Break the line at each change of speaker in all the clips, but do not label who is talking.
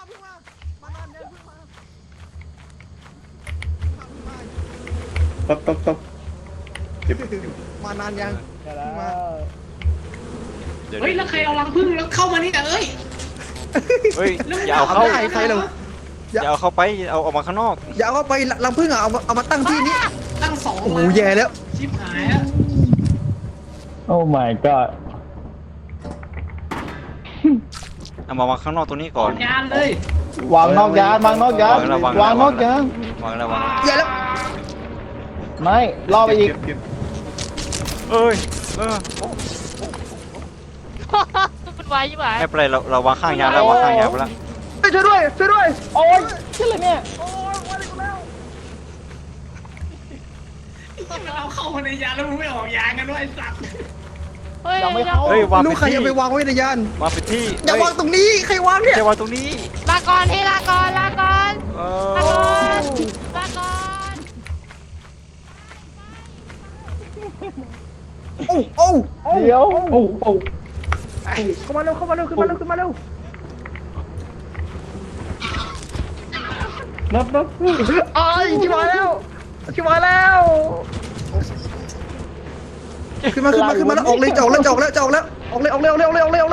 ตบเก็บ
มานานยัง
เฮ้ยแล้วใครเอารังผึ้งแล้วเข้ามานี่เอ้ย
เฮ้ยอย่าเอาเข้า
ใครเรา
อย่าเอาเข้าไปเอาออกมาข้างนอก
อย่าเอาไปรังผึ้งอะเอามาตั้งที่นี้
ตั้งสอง
โอ้โหแย่แล้ว
ชิบหายแล้ว
โอ้ my god
เอามาข้างนอกตรงนี้ก่อน
ยานเลยว
างนอกยานวางนอกยานวางนอกยาน
วางแล้ววาง
แย่แล้ว
ไม่ล่อไปอีก
เก็บ
เอ้ย
มันไวใช่ไหม
ไม่เป็นไรเราวางข้างยานแล้ววางข้างยานไปแล้ว
ช่วยด้วยช่วยด้วย
โอ้ยชื่ออะไรเนี่ย
มันเอาเข้ามาในยานแล้วมึงไม่ออกยานกันด้วยไอ้สัตว์
เฮ้ย
ยังไม่เข้า
เฮ้ยวาง
ลูกใคร
ไป
จะ
ที่
ไปวางไว้ในยาน
วางไปที่
อย่าวางตรงนี้ใครวางเนี่ย
จะวางตรงนี้
ลาก่อนที่ลาก่อนลาก่อน
เอ
ลาก่อ
อน
ลาก่อน
โอ้
เดี๋ยวโอ้โอ้
เข้ามาเร็วขึ้นมาเร็วขึ้นมาเร็ว
นับ
ไอ้ชิบหายแล้วขึ้นมาแล้วออกเลยออกเลยออกเลยขึ้นมาเร็ว
ออก
ขึ้นมาเร็ว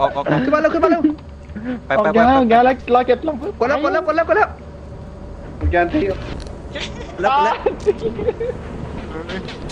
ไป
ออก
ไป
ยานออกยานแล้วรอเก็บลง
กดแล้ว
ยานที่
แล้ว